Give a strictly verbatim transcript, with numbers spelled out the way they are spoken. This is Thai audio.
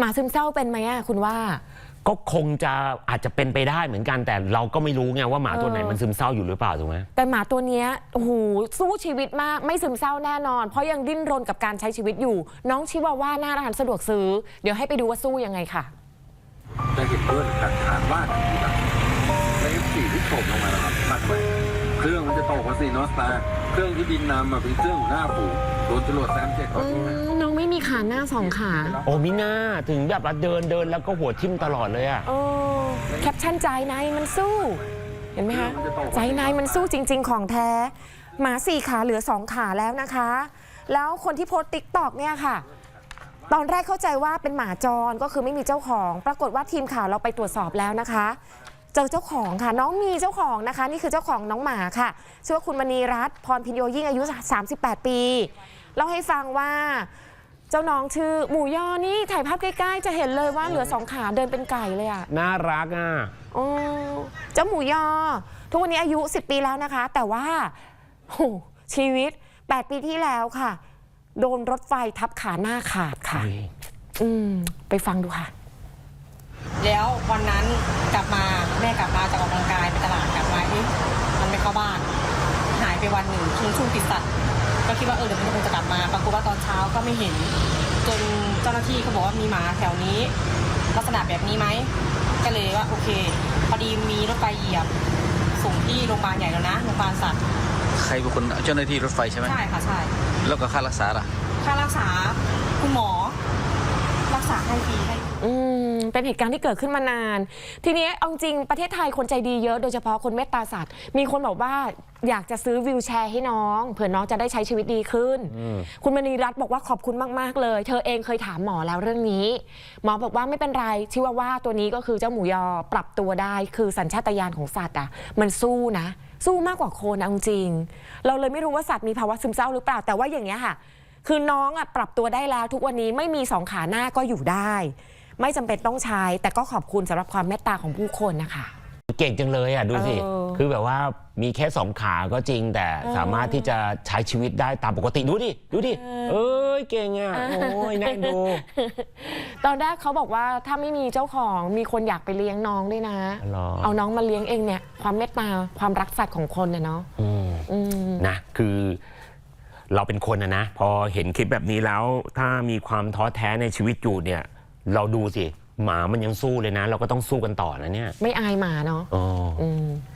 มาซึมเศร้าเป็นไหมอะคุณว่าก็คงจะอาจจะเป็นไปได้เหมือนกันแต่เราก็ไม่รู้ไงว่าหมาตัวไหนมันซึมเศร้าอยู่หรือเปล่าถูกไหมแต่หมาตัวเนี้ยโอ้โหสู้ชีวิตมากไม่ซึมเศร้าแน่นอนเพราะยังดิ้นรนกับการใช้ชีวิตอยู่น้องชิวาว่าหน้าร้านสะดวกซื้อเดี๋ยวให้ไปดูว่าสู้ยังไงค่ะจะเห็นเพื่อนกัดขาดบ้านที่แบบในเอฟซีที่โผล่ลงมาแล้วครับตัดไปเครื่องมันจะตกมาสิโนสตาเครื่องที่บินนำมาเป็นเครื่องหน้าฝูโดนจรวดแซมเจ็ดก่อนน้องไม่มีขาหน้าสองขาโอ้มิน่าถึงแบบเดินเดินแล้วก็หัวทิ่มตลอดเลยอะโอ้แคปชั่นใจนายมันสู้เห็นไหมคะใจนายมันสู้จริงๆของแท้หมาสี่ขาเหลือสองขาแล้วนะคะแล้วคนที่โพสต์ติ๊กต็อกเนี่ยค่ะตอนแรกเข้าใจว่าเป็นหมาจรก็คือไม่มีเจ้าของปรากฏว่าทีมข่าวเราไปตรวจสอบแล้วนะคะเจอเจ้าของค่ะน้องมีเจ้าของนะคะนี่คือเจ้าของน้องหมาค่ะชื่อว่าคุณมณีรัตน์พรพินโยยิ่งอายุสามสิบแปดปีเล่าให้ฟังว่าเจ้าน้องชื่อหมูยอนี่ถ่ายภาพใกล้ๆจะเห็นเลยว่าเหลือสองขาเดินเป็นไก่เลยอ่ะน่ารักอ่ะโอ้เจ้าหมูยอทุกวันนี้อายุสิบปีแล้วนะคะแต่ว่าโหชีวิตแปดปีที่แล้วค่ะโดนรถไฟทับขาหน้าขาดค่ะอืมไปฟังดูค่ะแล้ววันนั้นกลับมาแม่กลับมาจากออกกำลังกายไปตลาดกลับมาที่มันไม่เข้าบ้านหายไปวันหนึ่งช่วงช่วงติดสัตว์ก็คิดว่าเออเดี๋ยวมันคงจะกลับมาปรากฏว่าตอนเช้าก็ไม่เห็นจนเจ้าหน้าที่เขาบอกว่ามีหมาแถวนี้ลักษณะแบบนี้ไหมก็เลยว่าโอเคพอดีมีรถไฟเหยียบส่งที่โรงพยาบาลใหญ่แล้วนะโรงพยาบาลสัตว์ใครเป็นคนเจ้าหน้าที่รถไฟใช่ไหมใช่ค่ะใช่แล้วก็ค่ารักษาล่ะค่ารักษาคุณหมอรักษาให้ฟรีให้อืมเป็นเหตุการณ์ที่เกิดขึ้นมานานทีนี้เอาจริงประเทศไทยคนใจดีเยอะโดยเฉพาะคนเมตตาสัตว์มีคนบอกว่าอยากจะซื้อวีลแชร์ให้น้องเผื่อน้องจะได้ใช้ชีวิตดีขึ้นคุณมณีรัตน์บอกว่าขอบคุณมากๆเลยเธอเองเคยถามหมอแล้วเรื่องนี้หมอบอกว่าไม่เป็นไรชิวาว่าตัวนี้ก็คือเจ้าหมูยอปรับตัวได้คือสัญชาตญาณของสัตว์อ่ะมันสู้นะสู้มากกว่าคนเอาจริงเราเลยไม่รู้ว่าสัตว์มีภาวะซึมเศร้าหรือเปล่าแต่ว่าอย่างเงี้ยค่ะคือน้องอ่ะปรับตัวได้แล้วทุกวันนี้ไม่มีสองขาหน้าก็อยู่ได้ไม่จำเป็นต้องใช้แต่ก็ขอบคุณสำหรับความเมตตาของผู้คนนะคะเก่งจังเลยอ่ะดูสิคือแบบว่ามีแค่สองขาก็จริงแต่สามารถที่จะใช้ชีวิตได้ตามปกติดูดิดูดิเอ้ยเก่งอ่ะโอ้ยน่าดูตอนแรกเขาบอกว่าถ้าไม่มีเจ้าของมีคนอยากไปเลี้ยงน้องด้วยนะเอาน้องมาเลี้ยงเองเนี่ยความเมตตาความรักสัตว์ของคนเนี่ยเนาะนะคือเราเป็นคนนะนะพอเห็นคลิปแบบนี้แล้วถ้ามีความท้อแท้ในชีวิตอยู่เนี่ยเราดูสิหมามันยังสู้เลยนะเราก็ต้องสู้กันต่อนะเนี่ยไม่อายหมาเนาะอ๋อ